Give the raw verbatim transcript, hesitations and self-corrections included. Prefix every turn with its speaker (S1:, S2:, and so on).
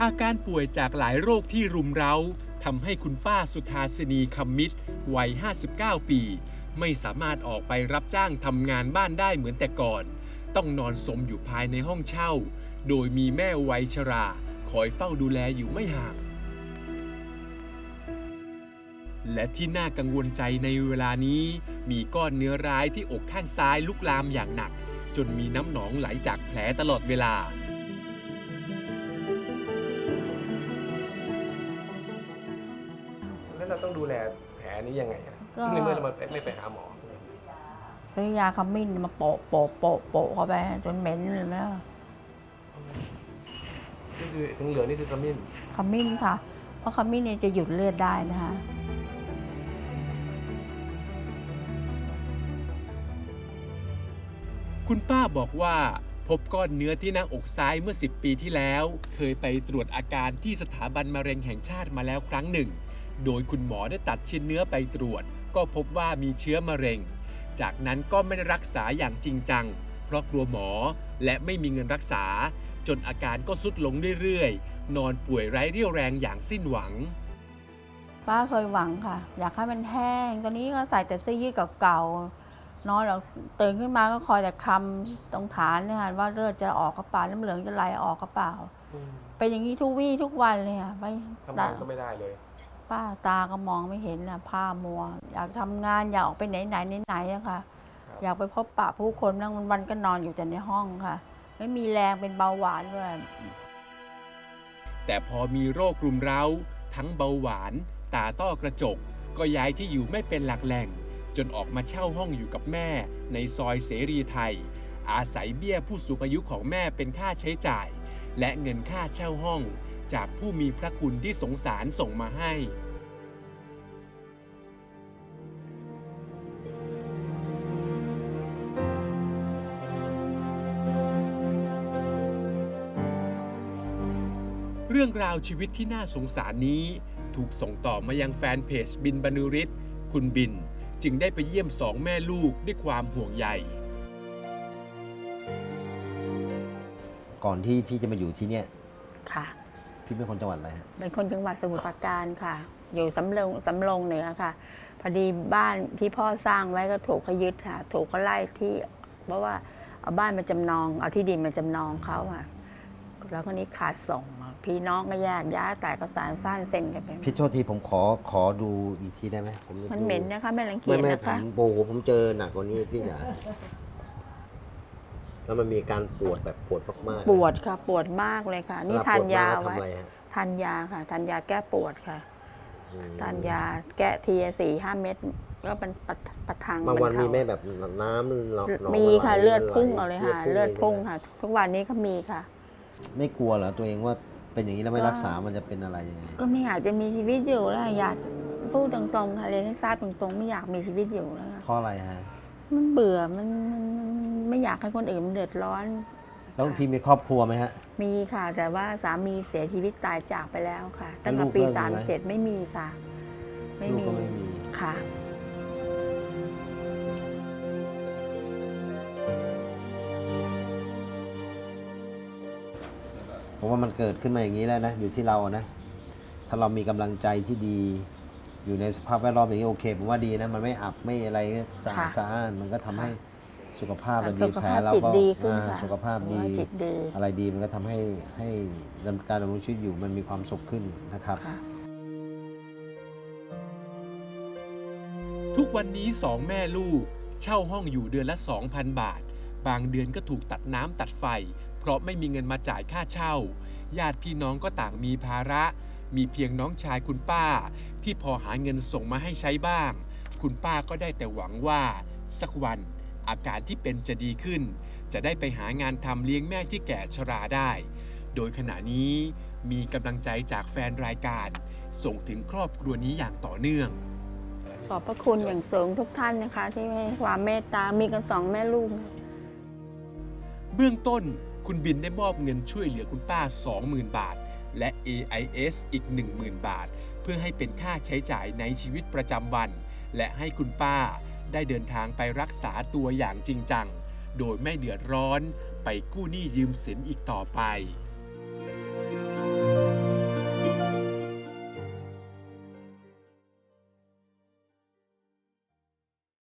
S1: อาการป่วยจากหลายโรคที่รุมเร้าทำให้คุณป้าสุธาสินีคำมิตรวัยห้าสิบเก้าปีไม่สามารถออกไปรับจ้างทำงานบ้านได้เหมือนแต่ก่อนต้องนอนสมอยู่ภายในห้องเช่าโดยมีแม่วัยชราคอยเฝ้าดูแลอยู่ไม่ห่างและที่น่ากังวลใจในเวลานี้มีก้อนเนื้อร้ายที่อกข้างซ้ายลุกลามอย่างหนักจนมีน้ำหนองไหลจากแผลตลอดเวลา
S2: แล้วเราต้องดูแลแผลนี้ยังไงในเมื่อเราไม่ไปหาหมอ
S3: ซื้อยาขมิ้นมาโปะโปะโปะโปะเข้าไปจนเหม็นเลยนะ
S2: นี่คือถึงเหลืองนี่คือขมิ้น
S3: ขมิ้นค่ะเพราะขมิ้นเนี่ยจะหยุดเลือดได้นะคะ
S1: คุณป้าบอกว่าพบก้อนเนื้อที่หน้าอกซ้ายเมื่อสิบปีที่แล้วเคยไปตรวจอาการที่สถาบันมะเร็งแห่งชาติมาแล้วครั้งหนึ่งโดยคุณหมอได้ตัดชิ้นเนื้อไปตรวจก็พบว่ามีเชื้อมะเร็งจากนั้นก็ไม่ได้รักษาอย่างจริงจังเพราะกลัวหมอและไม่มีเงินรักษาจนอาการก็ทรุดลงเรื่อยๆนอนป่วยไร้เรี่ยวแรงอย่างสิ้นหวัง
S3: ป้าเคยหวังค่ะอยากให้มันแห้งตอนนี้ก็ใส่แต่เสื้อยืดเก่าๆนอนแล้วตื่นขึ้นมาก็คอยแต่คำตรงฐานเนี่ยว่าเลือดจะออกกระเป๋าน้ำเหลืองจะไหลออกกระเป๋าเป็นอย่างนี้ทุกวี่ทุกวันเลยค่ะไม่
S2: ทำงานก็ไม่ได้เลย
S3: ป้าตาก็มองไม่เห็นนะผ้ามัวอยากทำงานอยากออกไปไหนไหนไหนอะค่ะอยากไปพบปะผู้คนนั่งวันๆก็นอนอยู่แต่ในห้องค่ะไม่มีแรงเป็นเบาหวานด้วย
S1: แต่พอมีโรครุมเร้าทั้งเบาหวานตาต้อกระจกก็ย้ายที่อยู่ไม่เป็นหลักแหล่งจนออกมาเช่าห้องอยู่กับแม่ในซอยเสรีไทยอาศัยเบี้ยผู้สูงอายุของแม่เป็นค่าใช้จ่ายและเงินค่าเช่าห้องจากผู้มีพระคุณที่สงสารส่งมาให้เรื่องราวชีวิตที่น่าสงสารนี้ถูกส่งต่อมายังแฟนเพจบินบรรณุฤทธิ์คุณบินจึงได้ไปเยี่ยมสองแม่ลูกด้วยความห่วงใย
S4: ก่อนที่พี่จะมาอยู่ที่เนี่ย
S3: ค่ะ
S4: พี่เป็นคนจังหวัดอะไรฮะ
S3: เป็นคนจังหวัดสมุทรปราการค่ะอยู่สำโรงสำโรงเหนือค่ะพอดีบ้านที่พ่อสร้างไว้ก็ถูกเขายึดค่ะถูกเขาไล่ที่เพราะว่าเอาบ้านมาจำนองเอาที่ดินมาจำนองเขาค่ะแล้วคนนี้ขาดส่งพี่น้องก็แยกย้ายแต่ก็สารสั้นเซ็นกันไป
S4: พี่โทษทีผมขอขอดูอีกทีได้ไหมผม
S3: มันเหม็นนะคะไม่รังเกียจนะคะไม่ไม่
S4: ผมโบผมเจอหนักกว่านี้พี่จ๋าแล้วมันมีการปวดแบบปวดมาก
S3: ๆปวดค่ะปวดมากเลยค่ะนี่ทานยาไว้ทานยาค่ะทานยาแก้ปวดค่ะทานยาแก้ทีสี่ห้าเม็ดก็เป็นประทัง
S4: บางวันมีแม่แบบน้ำ
S3: มีค่ะเลือดพุ่งเอาเลยค่ะเลือดพุ่งค่ะทุกวันนี้ก็มีค่ะ
S4: ไม่กลัวเหรอตัวเองว่าเป็นอย่างนี้แล้วไม่รักษามันจะเป็นอะไรยังไง
S3: ก็ไม่อยากจะมีชีวิตอยู่แล้วอยากพูดตรงๆค่ะเรียนให้ทราบตรงๆไม่อยากมีชีวิตอยู่แล้ว
S4: เพราะอะไรฮะ
S3: มันเบื่อมันไม่อยากให้คนอื่นเดือดร้อน
S4: แล้วพี่มีครอบครัวไหมฮะ
S3: มีค่ะแต่ว่าสามีเสียชีวิตตายจากไปแล้วค่ะตั้งแต่ปีสามเจ็ดไม่มีค่ะไม่มีค่ะ
S4: ผมว่ามันเกิดขึ้นมาอย่างนี้แล้วนะอยู่ที่เรานะถ้าเรามีกำลังใจที่ดีอยู่ในสภาพแวดล้อมอย่างนี้โอเคผมว่าดีนะมันไม่อับไม่อะไรสะอาดสะอ้านมันก็ทำให้สุขภาพเราดีแผลเราก็สุขภาพดีอะไรดีมันก็ทำให้ให้การดำรงชีวิตอยู่มันมีความสุขขึ้นนะครับ
S1: ทุกวันนี้สองแม่ลูกเช่าห้องอยู่เดือนละ สองพัน บาทบางเดือนก็ถูกตัดน้ำตัดไฟเพราะไม่มีเงินมาจ่ายค่าเช่าญาติพี่น้องก็ต่างมีภาระมีเพียงน้องชายคุณป้าที่พอหาเงินส่งมาให้ใช้บ้างคุณป้าก็ได้แต่หวังว่าสักวันอาการที่เป็นจะดีขึ้นจะได้ไปหางานทำเลี้ยงแม่ที่แก่ชราได้โดยขณะนี้มีกำลังใจจากแฟนรายการส่งถึงครอบครัวนี้อย่างต่อเนื่อง
S3: ขอบพระคุณอย่างสูงทุกท่านนะคะที่ให้ความเมตตามีกันสองแม่ลูก
S1: เบื้องต้นคุณบินได้มอบเงินช่วยเหลือคุณป้า สองหมื่น บาทและ เอ ไอ เอส อีก หนึ่งหมื่น บาทเพื่อให้เป็นค่าใช้จ่ายในชีวิตประจำวันและให้คุณป้าได้เดินทางไปรักษาตัวอย่างจริงจังโดยไม่เดือดร้อนไปกู้หนี้ยืมสินอีกต่อไป